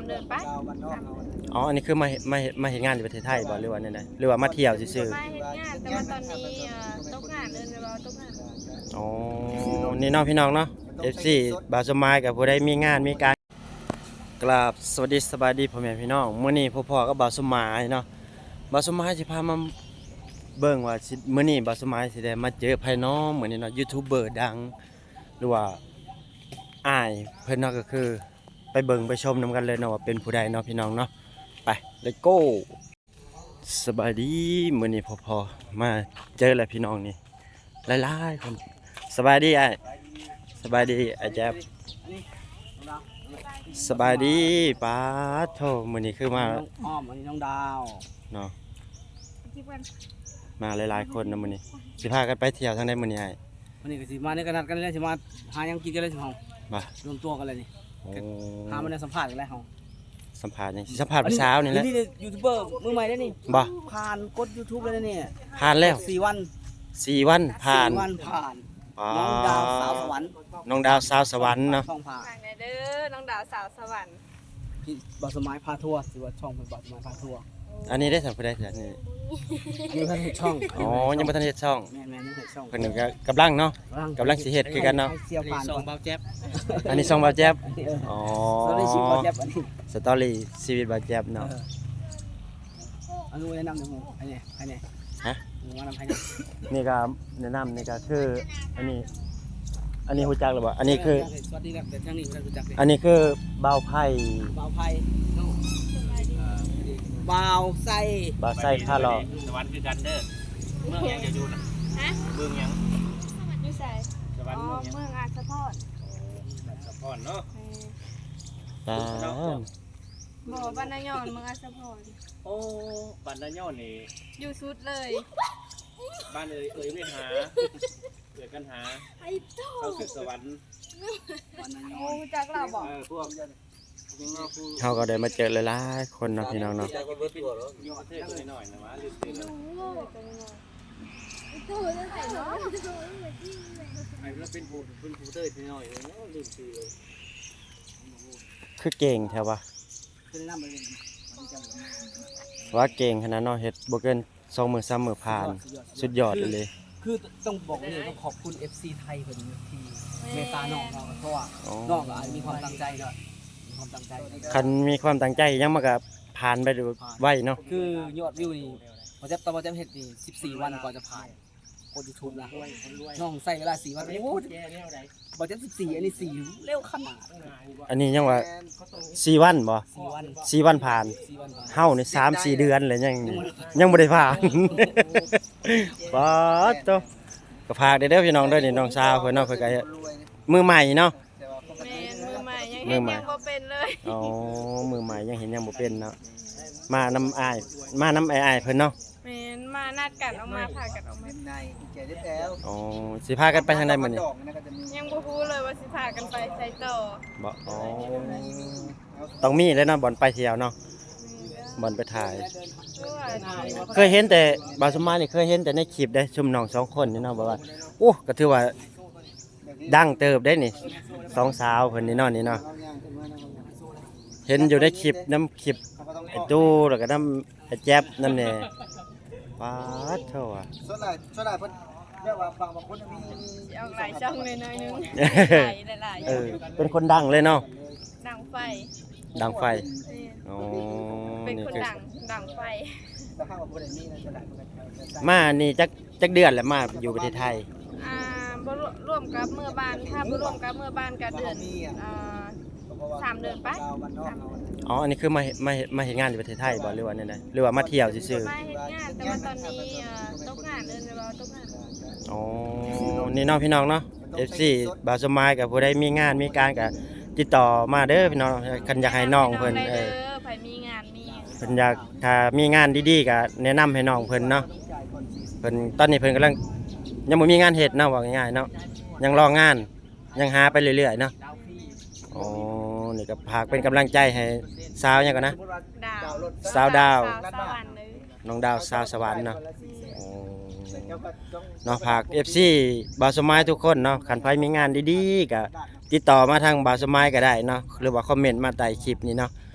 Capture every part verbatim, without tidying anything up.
เดือนไปอ๋ออันนี้คือมามามาเฮ็ดงานอยู่ประเทศไทยบ่หรือว่าแนวใดหรือว่ามาเที่ยวซื่อมาเฮ็ดงานแต่ว่าตอนนี้เอ่อตกงานเอิ้นไปว่าตกงานๆอ๋อนี่เนาะพี่น้องเนาะ เอฟ ซี บ่าวสมายกับผู้ใดมีงานมีการกราบสวัสดีสบายดีพ่อแม่พี่น้องมื้อนี้พ่อพ่อกับบ่าวสมายเนาะบ่าวสมายสิพามาเบิ่งว่าสิมื้อนี้บ่าวสมายสิได้มาเจอไผน้องมื้อนี้เนาะยูทูบเบอร์ดังหรือว่าอ้ายเพิ่นเนาะก็คือไปเบิ่งไปชมนํกันเลยเนาะว่าเป็นผู้ใดเนาะพี่น้องเนาะไป let's go สบายดีมื้อนี้พ่อพ่อมาเจอแล้วพี่น้องนี่หลายๆคนสบายดีอ้ายสบายดีอาแจ๊บสบายดีป้าโธ่มื้อนี้คือมาอ้อมอันนี้น้องดาวเนาะมาหลายๆคนนะมื้อนี้สิพากันไปเที่ยวทางใดมื้อนี้อ้ายวันนี้ก็สิมาในกระนัดกันเลยสิมาหายังกินกันเลยสิเฮาบ่รวมตัวกันเลยนี่โอ้หามาในสัมภาษณ์กันเลยเฮาสัมภาษณ์หยังสิสัมภาษณ์ผู้สาวนี่แหละนี่ยูทูบเบอร์มือใหม่ได้นี่บ่ผ่านกด YouTube เลยนะนี่ผ่านแล้วสี่วันสี่วันผ่านสี่วันผ่านอ๋อน้องดาวสาวสวรรค์น้องดาวสาวสวรรค์เนาะช่องผ่านฝากหน่อยเด้อน้องดาวสาวสวรรค์พี่บอสมัยพาทัวร์สิว่าช่องเป็นบอสมัยพาทัวร์อันนี้ได้สัมภาษณ์ได้นี่ยังทันเห็นช่องอ๋อยังบ่ทันเฮ็ดช่องแม่แม่ยังเห็นช่องเพิ่นก็กำลังเนาะกำลังสิเฮ็ดคือกันเนาะให้เสียผ่านก่อนอันนี้ช่องบ่าวแจ๊บอ๋อตอนนี้ชื่อบอสแจ๊บอันนี้สตอรี่ชีวิตบ่าวแจ๊บเนาะอันนู้นแนะนำหนึ่งหมู่ไอ้นี่ไอ้นี่ฮะหมู่ว่านำให้นี่นี่ก็แนะนำนี่ก็คืออันนี้ อันนี้ฮู้จักหรือเปล่าอันนี้คือสวัสดีครับแต่ทางนี้เรารู้จักเลยอันนี้คือบ่าวไผ่บ่าวไผ่บ่าวไส้บ่าวไส้ผ้าหล่อสวรรค์คือกันเด้อเมืองยังจะอยู่นะฮะเมืองยังอยู่ไสสวรรอ๋อค์เมืองยังเมืองอาสะพรสะพอนเนาะเออตาบ่บ้านนายอนเมืองอาสะพรโอ้บ้านนาย่อนี่อยู่สุดเลยบ้านเอ่ยเอ่ยไม่หาเกิดกันหาเข้าสู่สวรรค์โอ้จักเราบอกเออพวกยังเอาผู้เขาก็ได้มาเจอหลายๆคนเนาะพี่น้องเนาะยอดเท่หน่อยๆนะวะลืมไปเลยไอ้เราเป็นผู้เป็นผู้เต้ยหน่อยเลยเนาะลืมไปเลยคือเก่งแท้วะคือแนะนำไปเลยว่าเก่งขนาดเนาะเฮ็ดบ่เกินสองมื้อสามมื้อผ่านสุดยอดเลยคือต้องบอกเลยต้องขอบคุณ เอฟ ซี ไทยเพิ่นที่เมตตาน้องเราเพราะว่าอ๋อน้องก็มีความตั้งใจด้วยมีความตั้งใจคันมีความตั้งใจยังมันก็ผ่านไปดูไวเนาะคือยอดวิวนี่พอจะตอนพอจะเฮ็ดนี่สิบสี่วันกว่าจะผ่านกด YouTube นะน้องใส่เวลาสี่วันโอ้โหพอจะสิบสี่อันนี้สี่เร็วขนาดอันนี้ยังว่าสี่วันบ่สี่วันสี่วันผ่านสี่วันผ่านเฮานี่สามสี่เดือนเลยยังยังบ่ได้ผ่าน ป๊าดโตก็พากเด้อพี่น้องเด้อนี่น้องสาวเพิ่นเนาะเพิ่นก็มือใหม่เนาะแม่นมือใหม่ยังมืเห็อน ใหม่ยังบ่เป็นเลยอ๋อมือใหม่ยังเห็นยังบ่เป็นเนาะมานำอ้ายมานำอ้ายๆเพิ่นเนาะแม่นมานัดกันออกมาพากันออกมาในแก่ได้แล้วอ๋อสิพากันไปทางใดมื้อนี้ยังบ่ฮู้เลยว่าสิพากันไปไสต่อบ่อ๋อต้องมีแล้วเนาะบ่อนไปเที่ยวเนาะบ่อนไปถ่าย เคยเห็นแต่บาวสมมานี่เคยเห็นแต่ในคลิปได้ชุมน้องสองคนนี่เนาะบอกว่าโอ้ก็ถือว่าดังเติบได้นี่สองสาวเพิ่นนี่เนาะนี่เนาะเห็นอยู่ในคลิปน้ำคลิปไอ้ตู้แล้วก็น้ำไอ้แจ๊บน้ำแหน่ป๊าดเท่าอ่ะส่วนหลายส่วนหลายเพิ่นเรียกว่าฟังบางคนมีสิเอาหลายช่องเลยหน่อยนึงหลายๆเออเป็นคนดังเลยเนาะดังไฟดังไฟแม่นอ๋อเป็นนี่คนคือดังดังไฟราคาบ่ได้มีนะส่วนหลายเพิ่นก็มานี่จักจักเดือนแล้วมาอยู่ประเทศไทยอ่าบ่ร่วมกับเมื่อบ้านถ้าบ่ร่วมกับเมื่อบ้านก็เดือนอ่า สามเดือนไปอ๋ออันนี้คือมาเฮ็ดมาเฮ็ดมาเฮ็ดงานอยู่ประเทศไทยบ่หรือว่าแนวใดหรือว่ามาเที่ยวซื่อๆมาเฮ็ดงานแต่ว่าตอนนี้เอ่อตกงานเอิ้นไปว่าตกงานอ๋อ นี่น้องพี่น้องเนาะ เอฟ ซี บ่าวสมายกับผู้ใดมีงานมีการก็ติดต่อมาเด้อพี่น้องคันอยากให้น้องเพิ่นเออไผมีงานมีเพิ่นอยากถ้ามีงานดีๆก็แนะนำให้น้องเพิ่นเนาะเพิ่นตอนนี้เพิ่นกำลังยังบ่มีงานเฮ็ดเนาะว่าง่ายๆเนาะยังรองานยังหาไปเรื่อยๆเนาะอ๋อนี่ก็ฝากเป็นกำลังใจให้สาวหยังก่อนนะดาวสาวดาวสาวสวรรค์เลยน้องดาวสาวสวรรค์เนาะอ๋อเนาะฝาก เอฟ ซี บ่าวสมายทุกคนเนาะคันไผมีงานดีๆก็ติดต่อมาทางบ่าวสมายก็ได้เนาะหรือว่าคอมเมนต์มาใต้คลิปนี้เนาะต้อง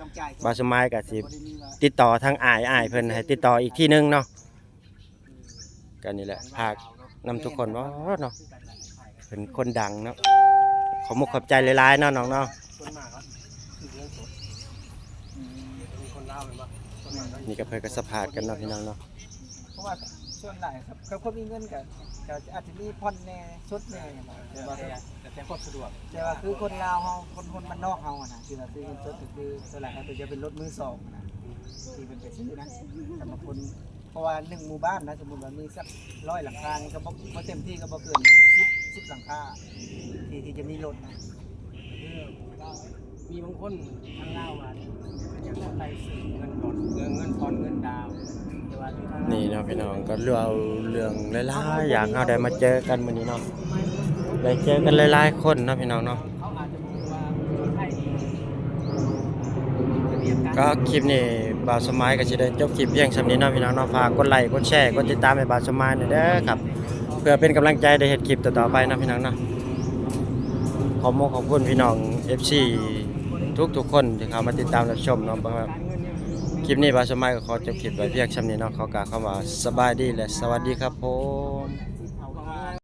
จ่ายก่อนบาวสมายก็สิบ่ได้มีว่าติดต่อทางอ้ายอ้ายเพิ่นให้ติดต่ออีกที่นึงเนาะก็นี่แหละฝากนำทุกคนว่าเนาะเป็นคนดังเนาะขอมุกขอบใจหลายๆเนาะน้องเนาะส่วนมากก็คือเรื่องสดมีคนเล่าเลยว่าส่วนมากก็นี่ก็เพิ่นก็สัมภาษณ์กันเนาะพี่น้องเนาะเพราะว่าส่วนหลายครับเขาคนมีเงินก็ก็อาจจะมีผ่อนแน่ชดแน่อย่างเงี้ยแต่ว่าแต่แต่ความสะดวกแต่ว่าคือคนลาวเฮาคนคนบ้านนอกเฮาอะนะที่ว่าซื้อเงินสดก็คือส่วนหลายเขาจะเป็นรถมือสองอะนะที่เป็นไปซื้อนะสำหรับคนเพราะว่าหนึ่งหมู่บ้านนะสมมุติว่ามีสักร้อยหลังคานี่ก็บ่บ่เต็มที่ก็บ่เกินสิบ สิบหลังคาที่ที่จะมีรถนะมีบางคนทางเล่าว่ายังต้องไปซื้อเงินก่อนเงินเงินผ่อนเงินดาวแต่ว่าที่ทางนี่เนาะพี่น้องก็เรื่องเรื่องหลายๆอย่างเฮาได้มาเจอกันมื้อนี้เนาะได้เจอกันหลายๆคนเนาะพี่น้องเนาะเขาอาจจะมองว่าคนไทยนี่ก็คลิปนี้บ่าวสมัยก็สิได้จบคลิปเพียงส่ำนี้เนาะพี่น้องเนาะฝากกดไลค์กดแชร์กดติดตามให้บ่าวสมัยหน่อยเด้อครับเพื่อเป็นกำลังใจได้เฮ็ดคลิปต่อๆไปเนาะพี่น้องเนาะขอมขอบคุณพี่น้อง เอฟ ซี ทุกๆคนที่เข้ามาติดตามรับชมเนาะบ่ครับคลิปนี้บ่าวสมัยก็ขอจบคลิปไว้เพียงส่ำนี้เนาะขอกล่าวคำว่าสบายดีและสวัสดีครับผม